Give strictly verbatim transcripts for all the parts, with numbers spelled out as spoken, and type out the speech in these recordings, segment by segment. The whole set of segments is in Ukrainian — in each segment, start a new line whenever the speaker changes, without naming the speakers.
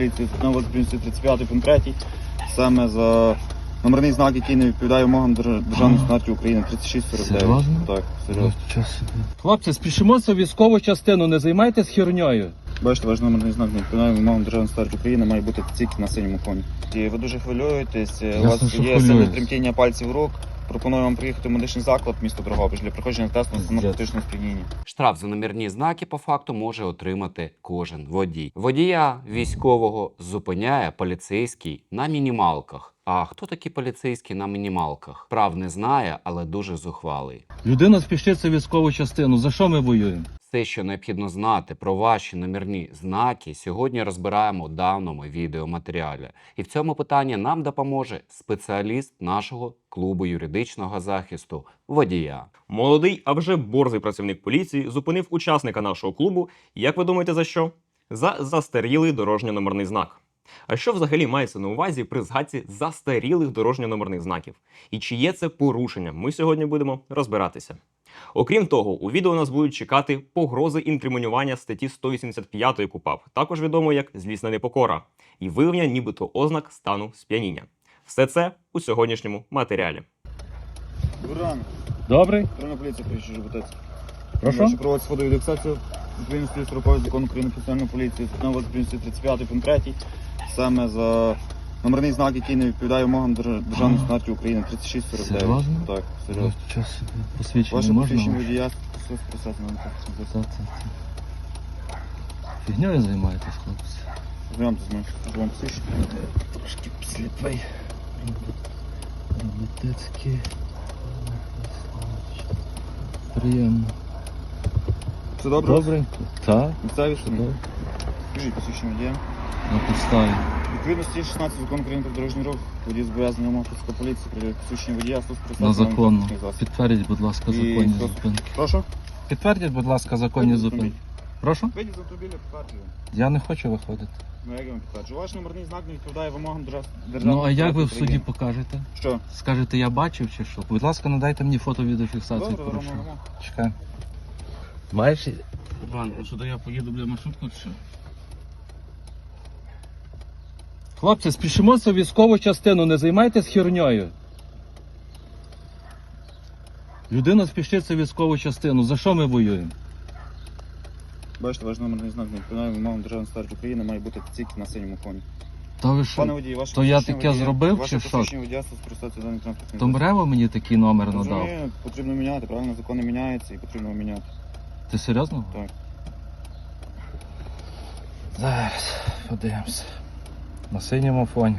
Знову тридцять п'ятий пункт третій, саме за номерний знак, який не відповідає вимогам державної стандарті України, тридцять шість сорок дев'ять.
Серйозно?
Так, серйозно.
Хлопці, спішимося в військову частину, не займайтесь херньою.
Бачите, ваш номерний знак не відповідає вимогам державної стандарті України, має бути тільки на синьому фоні. І ви дуже хвилюєтесь, у вас
що
є сильне
хвилююсь.
тремтіння пальців рук. Пропоную вам приїхати в медичний заклад місто Дрогобич для проходження тесту на наркотичне сп'яніння.
Штраф за номерні знаки по факту може отримати кожен водій. Водія військового зупиняє поліцейський на мінімалках. А хто такі поліцейські на мінімалках? Прав не знає, але дуже зухвалий.
Людина спішиться в військову частину. За що ми воюємо?
Все, що необхідно знати про ваші номерні знаки, сьогодні розбираємо у даному відеоматеріалі. І в цьому питанні нам допоможе спеціаліст нашого клубу юридичного захисту водія.
Молодий, а вже борзий працівник поліції зупинив учасника нашого клубу. Як ви думаєте, за що? За застарілий дорожньо-номерний знак. А що взагалі мається на увазі при згадці застарілих дорожньо-номерних знаків? І чи є це порушення? Ми сьогодні будемо розбиратися. Окрім того, у відео нас будуть чекати погрози інкримінування статті сто вісімдесят п'ять КУпАП, також відомо як злісна непокора, і виявлення нібито ознак стану сп'яніння. Все це у сьогоднішньому матеріалі.
Добрий ранок.
Добрий.
Патрульна поліція приїжджає Жовтець.
Прошу?
Прошу проводити сходову індексацію відповідності строкової закону України про національну поліцію. Знову тридцять п'ятий пункт третій, саме за номерний знак, який не відповідає вимогам державної стандарті України, тридцять шість сорок дев'ять.
Серйозно?
Так, серйозно.
Час посвідчення
Ваше
можна?
посвідчення водія спецпроцесу на
Та, та, та. Фігньою займаєтесь, хлопці?
Знайомтесь з моїм службовим посвідченням.
Трошки сліпий. Роботецький. Приємно.
Все добре?
Добренько. Так,
Місцеві
все
штани?
добре.
Скажіть посвідчення водія.
На підставі.
Відповідно статті шістнадцять закону України про дорожній рух, водій зобов'язаний вимог поліції, при посвідчення водія, спецпроцесу
На законну.
транспортний засіб.
Підтвердіть, будь ласка,
І
законні
що?
зупинки.
Прошу?
Підтвердіть, будь ласка, законні
Вийдіть з
зупинки.
автомобіля.
Прошу?
Вийдіть з автомобіля, підтверджую.
Я не хочу виходити.
Ну як я вам підтверджую? Ваш номерний знак не відповідає вимогам держав...
Ну,
державної
а як ви в
стандарті
суді
України.
покажете?
Що?
Скажете, я бачив чи що? Будь ласка, надайте мені фото-відеофіксацію
Добре,
порушення.
робимо.
Чекай. Маєш? Іван, сюди я поїду, бля, маршрутку чи що? Хлопці, спішимося в військову частину, не займайтесь херньою. Людина спішиться в військову частину. За що ми воюємо?
Бачите, ваш номерний знак не відповідає вимогам державної стандарті України, має бути тільки на синьому фоні.
Та ви
Пане
що?
водій, ваше
То я
посвідчення
таке
водія-
зробив,
ваше
чи що?
посвідчення водія спецпроцесу даний транспортний
То
засіб.
Мрево мені такий номер надав.
Розумію, потрібно міняти, правильно, закони міняються і потрібно міняти.
Ти серйозно?
Так.
Зараз подивимося. На синьому фоні.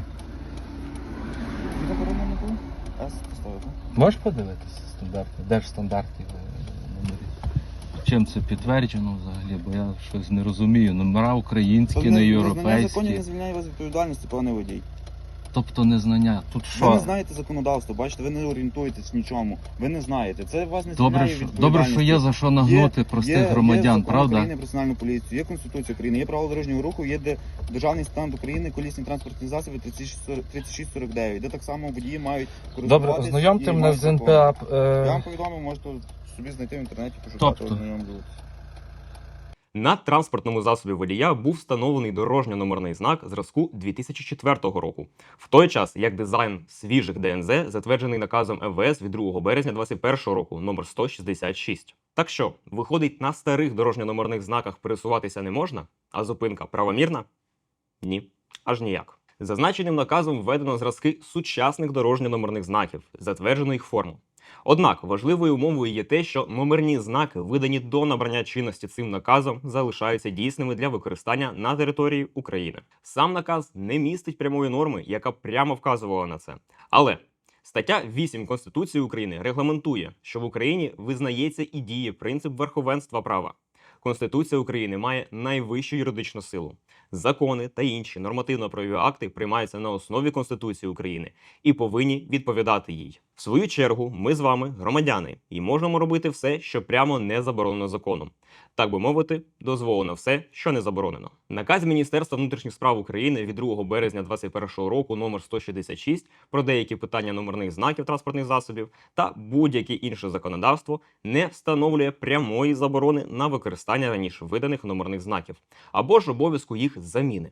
І заборонено не було? С поставив, так?
Можеш подивитися стандарти? Де ж стандарти е, номерів? Чим це підтверджено взагалі? Бо я щось не розумію. Номера українські, не
Незнання законів
європейські.
не звільняє вас від відповідальності, пане водій.
Тобто незнання. Тут
Ви не
що?
знаєте законодавство, бачите, ви не орієнтуєтесь в нічому. Ви не знаєте. Це вас не
Добре,
звільняє
що,
від
добре, що є за що нагнути
Є-
простих
є,
громадян,
є закон
правда?
України про національну поліцію, є Конституція України, є правила дорожнього руху, є де державний стан України, колісні транспортні засоби тридцять шість сорок дев'ять, де так само водії мають користуватися.
Добре, ознайомте
і
мене
мають
з
закон.
ен пе а.
Я вам
Е...
повідомив, можете собі знайти в інтернеті, пошукати,
Тобто?
ознайомлюватися.
На транспортному засобі водія був встановлений дорожньо-номерний знак зразку дві тисячі четвертого року. В той час, як дизайн свіжих де ен зет затверджений наказом ем ве ес від другого березня двадцять першого року номер сто шістдесят шість. Так що, виходить, на старих дорожньо-номерних знаках пересуватися не можна, а зупинка правомірна? Ні, аж ніяк. Зазначеним наказом введено зразки сучасних дорожньо-номерних знаків, затверджено їх форму. Однак важливою умовою є те, що номерні знаки, видані до набрання чинності цим наказом, залишаються дійсними для використання на території України. Сам наказ не містить прямої норми, яка прямо вказувала на це. Але стаття вісім Конституції України регламентує, що в Україні визнається і діє принцип верховенства права. Конституція України має найвищу юридичну силу. Закони та інші нормативно-правові акти приймаються на основі Конституції України і повинні відповідати їй. В свою чергу, ми з вами громадяни і можемо робити все, що прямо не заборонено законом. Так би мовити, дозволено все, що не заборонено. Наказ Міністерства внутрішніх справ України від другого березня двадцять першого року номер сто шістдесят шість про деякі питання номерних знаків транспортних засобів та будь-яке інше законодавство не встановлює прямої заборони на використання раніше виданих номерних знаків або ж обов'язку їх заміни.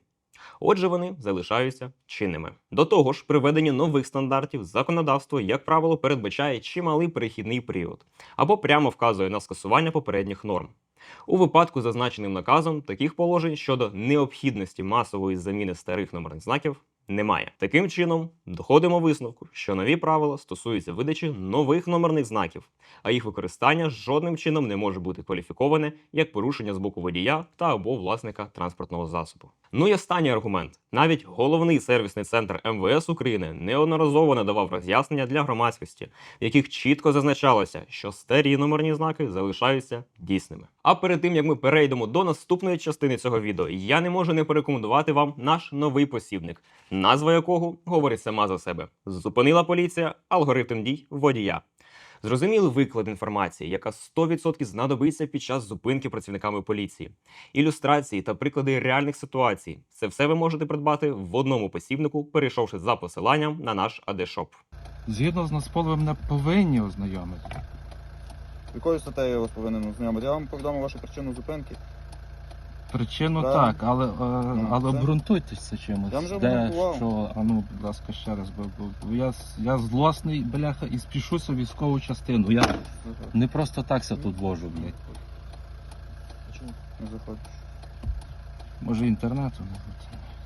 Отже, вони залишаються чинними. До того ж, при введенні нових стандартів законодавство, як правило, передбачає чималий перехідний період або прямо вказує на скасування попередніх норм. У випадку з зазначеним наказом таких положень щодо необхідності масової заміни старих номерних знаків немає. Таким чином, доходимо висновку, що нові правила стосуються видачі нових номерних знаків, а їх використання жодним чином не може бути кваліфіковане як порушення з боку водія та або власника транспортного засобу. Ну і останній аргумент. Навіть головний сервісний центр ем ве ес України неодноразово надавав роз'яснення для громадськості, в яких чітко зазначалося, що старі номерні знаки залишаються дійсними. А перед тим, як ми перейдемо до наступної частини цього відео, я не можу не порекомендувати вам наш новий посібник, назва якого говорить сама за себе. Зупинила поліція алгоритм дій водія. Зрозумілий виклад інформації, яка сто відсотків знадобиться під час зупинки працівниками поліції. Ілюстрації та приклади реальних ситуацій. Це все ви можете придбати в одному посібнику, перейшовши за посиланням на наш ей ді шоп.
Згідно з Нацполем не повинні ознайомити.
Якою статтею я вас повинен ознайомити? Я вам повідомив вашу причину зупинки.
Причину
Да.
так, але, е, але
це-
обґрунтуйтеся чимось.
Я вже
Де,
обґрунтував.
що, а ну, будь ласка, ще раз, бо, бо, бо я, я злосний, бляха, і спішуся в військову частину. Я не просто так ся тут вожу, блядь.
Чому не заходиш?
Може інтернету не буде.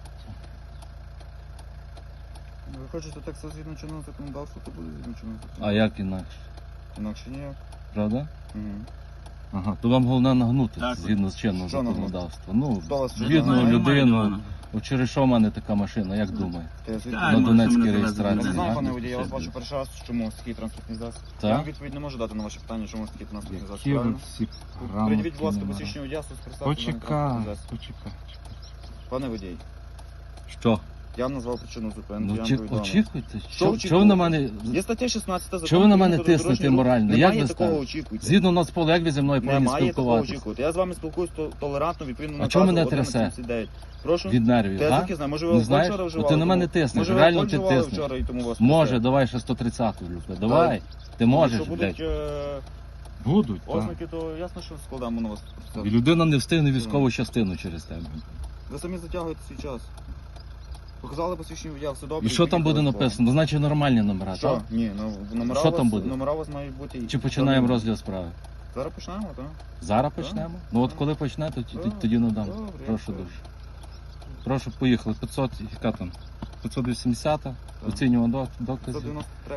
Ну, ви хочете так все згідно чинного законодавства, то буде згідно чинного
А
законодавства.
як інакше?
Інакше ніяк.
Правда?
Угу.
Ага, то вам головне нагнути
Так.
згідно з чинного
Що нагнути?
законодавства. Ну,
Хто вас що
бідну
нагнає?
людину. От через що в мене така машина, як думаєте?
Я звідки?
Так,
На
може,
Донецькій
мене
реєстрації,
Я не
завезли.
знаю,
ага.
пане водій, я вас бачу перший раз, чому ось такий транспортний засіб.
Так?
Я вам відповідь не можу дати на ваше питання, чому ось такий транспортний засіб.
Які ви
Правильно?
всі
Придивіть, будь ласка,
грамотні,
посвідчення водія, спецпредставте даний
Почекай,
транспортний засіб.
почекай, чекай.
Пане водій,
Що?
я вам назвав причину зупинки,
Ну,
я
чи,
вам повідомив.
очікуйте. Що, що ви
очікувати?
на мене...
Є стаття шістнадцята закону.
Чого ви на
України
мене
про
тиснете
дорожній рух.
морально? Як
Немає
ви
такого
ставите?
очікуйте.
Згідно Нацполу, як ви зі мною повинні
Немає такого
спілкуватися?
очікувати. Я з вами спілкуюсь то- толерантно, відповідно
А
наказу
чого мене
одинадцять
трясе?
сімдесят дев'ять. Прошу?
Від нервів,
Та я
а?
таки знаю, може ви
Не
алкоголь
знаєш?
вчора
От
вживали?
ти на мене
тому-
тиснеш,
Може ви
реально
алкоголь
ти
вживали
тиснеш.
вчора і тому вас
Може,
трясе?
давай ще сто тридцяту, Люка, давай. Ти можеш,
Якщо
блядь.
будуть е,
Будуть, так.
ознаки, то ясно, що складаємо на вас.
І людина не встигне військову частину через тебе.
Ви самі затягуєте свій час. Показали посвідчення водія, все добре.
І що там буде написано? Значить нормальні номера,
Що?
так?
Ні, ну номера
Що
у вас,
там буде?
номера у вас мають бути.
Чи починаємо розгляд справи?
Зараз почнемо, так?
Зараз почнемо? Ну от коли почне, то ті- тоді надам.
Добре,
Прошу
я
дуже. Прошу, поїхали. п'ятсот, яка там? п'ятсот вісімдесят, оцінював до- докази.
сто дев'яносто три.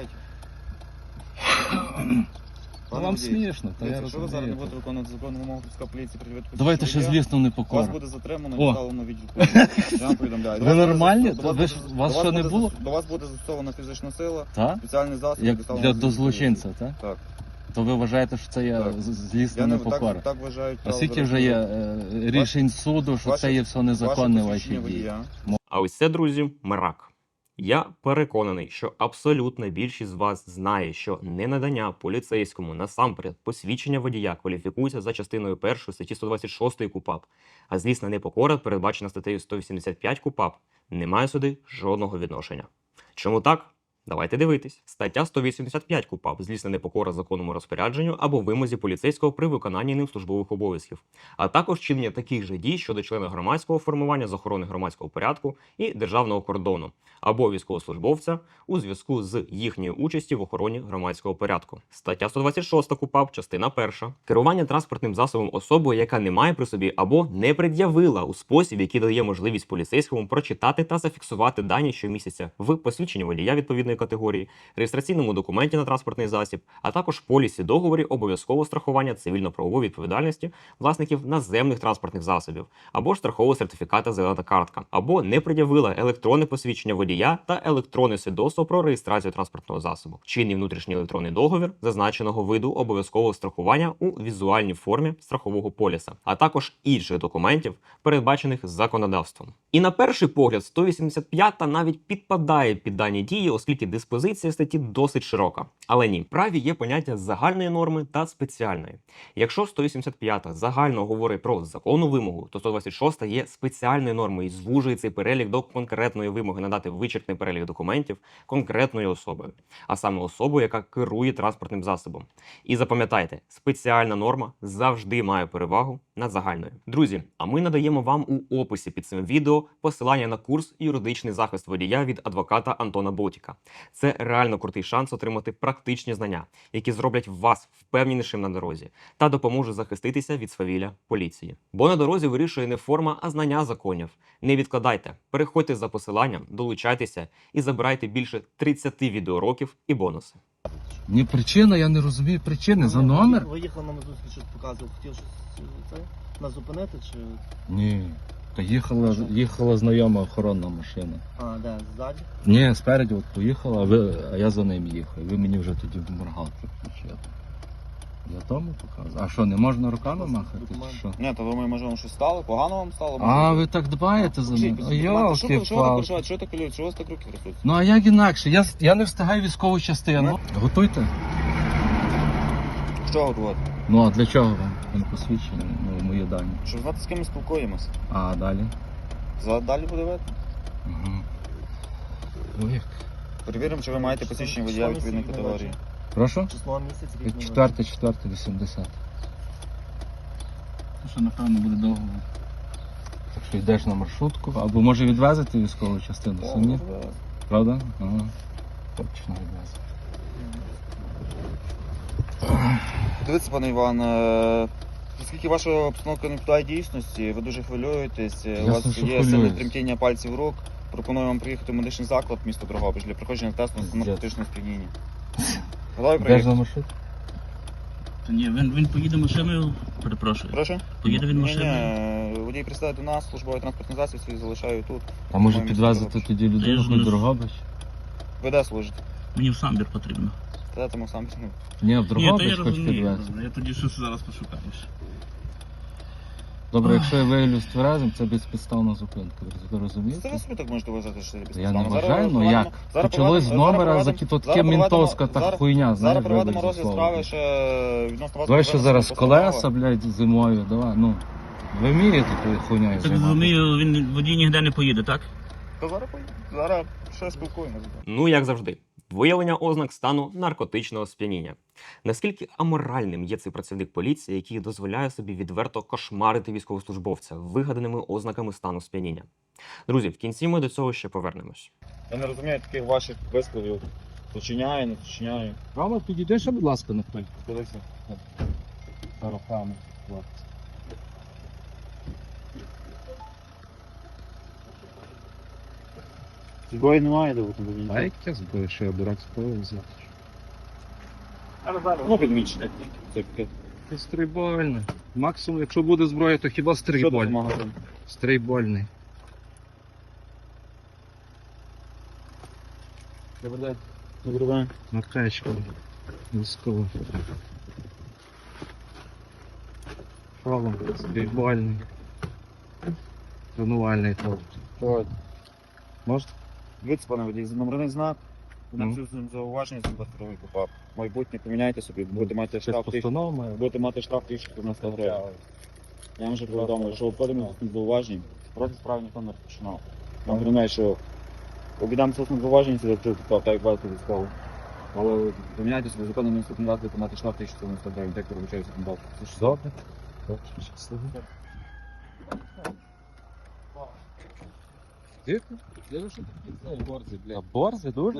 Ну, вам смішно, та я
Якщо ви зараз не
розумію.
будете виконувати законну вимогу Київська поліції, пред'явити
Давайте ще
посвідчення
злісно не
водія, вас
покору.
буде затримано
О.
і доставлено в відділ поліції. Я вам повідомляю. До
Ви
вас буде
нормальні?
застосовано-
Ви ж-
до
вас що, не
буде
було?
зас- До вас буде застосована фізична сила,
Так?
спеціальний засіб.
Як
доставлено
для
в
до
відділ
злочинця, так?
Так.
То ви вважаєте, що це є
Так.
з-
поліції.
злісна
Я не
непокора?
так, так вважають.
А скільки вже є е, рішень суду, що
ваше-
це є все незаконне
ваше
ваші
посвідчення
дії?
водія.
А ось це, друзі, мрак. Я переконаний, що абсолютна більшість з вас знає, що ненадання поліцейському насамперед посвідчення водія кваліфікується за частиною першої статті сто двадцять шість КУпАП, а злісна непокора, передбачена статтею сто вісімдесят п'ять КУпАП, не має сюди жодного відношення. Чому так? Давайте дивитись. Стаття сто вісімдесят п'ять КУпАП – злісна непокора законному розпорядженню або вимозі поліцейського при виконанні ним службових обов'язків, а також чинення таких же дій щодо члена громадського формування з охорони громадського порядку і державного кордону, або військовослужбовця у зв'язку з їхньою участю в охороні громадського порядку. Стаття сто двадцять шість КУпАП, частина перша. Керування транспортним засобом особою, яка не має при собі або не пред'явила у спосіб, який дає можливість поліцейському прочитати та зафіксувати дані щомісяця в посвідченні водія відповідної категорії, реєстраційному документі на транспортний засіб, а також полісі договорі обов'язкового страхування цивільно-правової відповідальності власників наземних транспортних засобів, або ж страхового сертифіката «Зелена картка», або не пред'явила електронне посвідчення водія та електронне свідоцтво про реєстрацію транспортного засобу, чинний внутрішній електронний договір зазначеного виду обов'язкового страхування у візуальній формі страхового поліса, а також інших документів, передбачених законодавством. І на перший погляд сто вісімдесят п'ята навіть підпадає під дані дії, оскільки диспозиція статті досить широка. Але ні, в праві є поняття загальної норми та спеціальної. Якщо сто вісімдесят п'ята загально говорить про законну вимогу, то сто двадцять шоста є спеціальною нормою і звужує цей перелік до конкретної вимоги надати вичерпний перелік документів конкретною особою, а саме особою, яка керує транспортним засобом. І запам'ятайте, спеціальна норма завжди має перевагу над загальною. Друзі, а ми надаємо вам у описі під цим відео посилання на курс «Юридичний захист водія» від адвоката Антона Ботіка. Це реально крутий шанс отримати практичні знання, які зроблять вас впевненішим на дорозі та допоможуть захиститися від свавілля поліції. Бо на дорозі вирішує не форма, а знання законів. Не відкладайте, переходьте за посиланням, долучайтеся і забирайте більше тридцяти відеоуроків і бонуси.
Ні, причина, я не розумію причини. За номер?
Ви їхали нам зустріч, щось показував, хотів щось це, нас зупинити чи.
Ні. Та їхала, їхала знайома охоронна машина.
А, де, ззаді?
Ні, спереді от поїхала, а, ви, а я за ним їхав. Ви мені вже тоді в моргалку включили. Я тому показую. А що, не можна руками махати? Чи що?
Ні, то думаю, може вам щось стало? Погано вам стало?
А, ви так дбаєте за
Покажіть,
мене?
покажіть,
О,
документи. Що ви- що ви так
йолки-палки.
переживаєте? Що ви так хвилюєте? Що у вас так руки трясуться?
Ну а як інакше? Я, я не встигаю військову частину. Готуйте.
Що готувати?
Ну а для чого вам? Він посвідчений, ну, мої дані.
Щоб знати, з ким ми спілкуємося.
А далі?
За далі буде видно.
Угу. Ну як?
Перевіримо, чи ви маєте посвідчення водія відповідної категорії.
Прошу?
Число місяць, рік не
Четверте, четверте, вісімдесят. Ну що, напевно, буде довго. Так що йдеш на маршрутку, або може відвезти військову частину самі. Правда? Ага. Точно відвезти.
Дивіться, пане Іван, е, оскільки ваша обстановка не відповідає дійсності, ви дуже хвилюєтесь, е, у
Ясно,
вас
що
є сильне
хвилююсь.
тремтіння пальців рук, пропоную вам приїхати в медичний заклад місто Дрогобич для проходження тесту на наркотичне сп'яніння. Готові
Йдеш
приїхати?
на маршрутку?
Та ні, він, він поїде машиною, перепрошую.
Прошу?
Поїде він
Ні,
машиною.
ні, водій пристає до нас, службовий транспортний засіб свій залишаю тут.
А може
Маємо
підвезти
Дрогобич.
тоді
Я
людину
ж
хоч
не-
до Дрогобич?
Ви де служите?
Мені в самбір потрібно.
Та тому сам ну,
Ні, в
Ні, то
Дрогобич
я
хоч
розумію.
підвезти.
Я тоді щось зараз пошукаю.
Добре, якщо я виявлюсь тверезим, це безпідставна зупинка. Ви розумієте?
Це ви собі так можете вважати, що це
Я не
безпідставно. Зараз
вважаю, ну
проведемо-
як?
зараз
Почалось з
проведемо-
номера,
зараз
за
проведемо-
то таке
зараз проведемо-
мінтовська та
зараз-
хуйня, знаєш,
Зараз проведемо
вибач за
розгляд
слово.
справи ще відносно вас.
Давай ще
проведемо
зараз
постанова.
колеса, блядь, зимою, давай, ну. Ви вмієте тою хуйньою
Так
займатися?
розумію, він водій ніде не поїде, так?
Та зараз поїдемо. Зараз ще спілкуємося.
Ну, як завжди, виявлення ознак стану наркотичного сп'яніння. Наскільки аморальним є цей працівник поліції, який дозволяє собі відверто кошмарити військовослужбовця вигаданими ознаками стану сп'яніння? Друзі, в кінці ми до цього ще повернемось.
Я не розумію таких ваших висловів. Зачиняю, не зачиняю.
Рома, підійди ще, будь ласка, на хвиль.
Подивіться.
Руками, хлопці.
Зброї немає, де бути.
А яке зброє, що я дурак зброю взяти?
Ну, підмічне. Це таке.
Це стрейбольне. Максимум, якщо буде зброя, то хіба
Що це за
стрейбольне.
магазин?
Стрейбольний.
Добрий день. Добрий день.
Накачка. Військово. Шолом. Стрейбольний. Тренувальний топ.
Давайте.
Можна?
Дивіться, пане водій, номерний знак.
Ну.
На цю зауваження за двадцять попав. Майбутнє поміняйте собі, будете мати
Це
штраф тисячу.
постанова має.
Будете мати штраф тисячу дев'яносто гривень. Я вам вже повідомив, що обходимо з зауважень. Проти справи ніхто не розпочинав. Вам говорю, що обідам з зауважень, це якщо так, так як бачите військово. Але поміняйте собі законно не наступний раз, будете мати штраф тисячу дев'яносто гривень, так перебачаю законодавство. Це ж
Добре. Добре, щасливо. Тихо. Я що такі борзи, бля. Борзи дуже?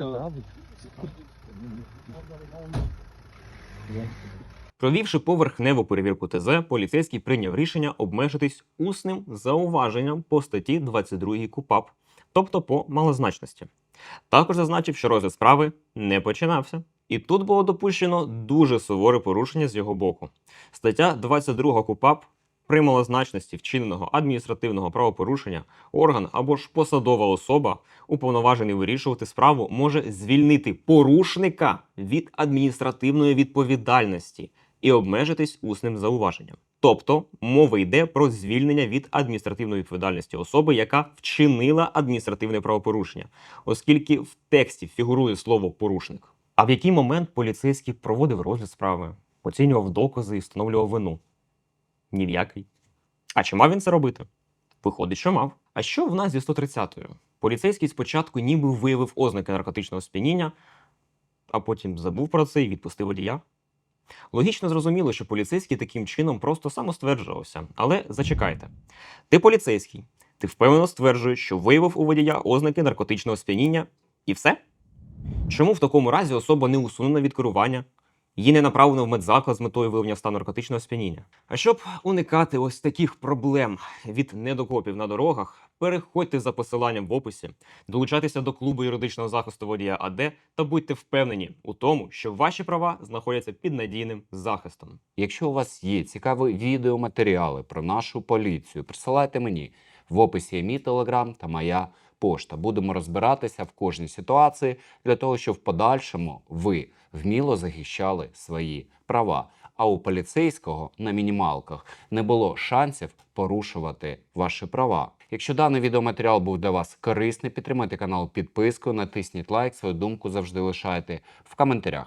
Провівши поверхневу перевірку ТЗ, поліцейський прийняв рішення обмежитись усним зауваженням по статті двадцять два КУпАП, тобто по малозначності. Також зазначив, що розгляд справи не починався. І тут було допущено дуже суворе порушення з його боку. Стаття двадцять два КУпАП при малозначності вчиненого адміністративного правопорушення орган або ж посадова особа, уповноважений вирішувати справу, може звільнити порушника від адміністративної відповідальності і обмежитись усним зауваженням. Тобто мова йде про звільнення від адміністративної відповідальності особи, яка вчинила адміністративне правопорушення, оскільки в тексті фігурує слово порушник. А в який момент поліцейський проводив розгляд справи, оцінював докази і встановлював вину? Ні в який. А чи мав він це робити? Виходить, що мав. А що в нас зі сто тридцятою? Поліцейський спочатку ніби виявив ознаки наркотичного сп'яніння, а потім забув про це і відпустив водія. Логічно зрозуміло, що поліцейський таким чином просто самостверджувався. Але зачекайте. Ти поліцейський, ти впевнено стверджуєш, що виявив у водія ознаки наркотичного сп'яніння і все? Чому в такому разі особа не усунена від керування? Її не направлено в медзаклад з метою виявлення стану наркотичного сп'яніння. А щоб уникати ось таких проблем від недокопів на дорогах, переходьте за посиланням в описі, долучайтеся до клубу юридичного захисту водія АД та будьте впевнені у тому, що ваші права знаходяться під надійним захистом.
Якщо у вас є цікаві відеоматеріали про нашу поліцію, присилайте мені. В описі є мій телеграм та моя пошта. Будемо розбиратися в кожній ситуації для того, щоб в подальшому ви вміло захищали свої права. А у поліцейського на мінімалках не було шансів порушувати ваші права. Якщо даний відеоматеріал був для вас корисний, підтримайте канал підпискою, натисніть лайк, свою думку завжди лишайте в коментарях.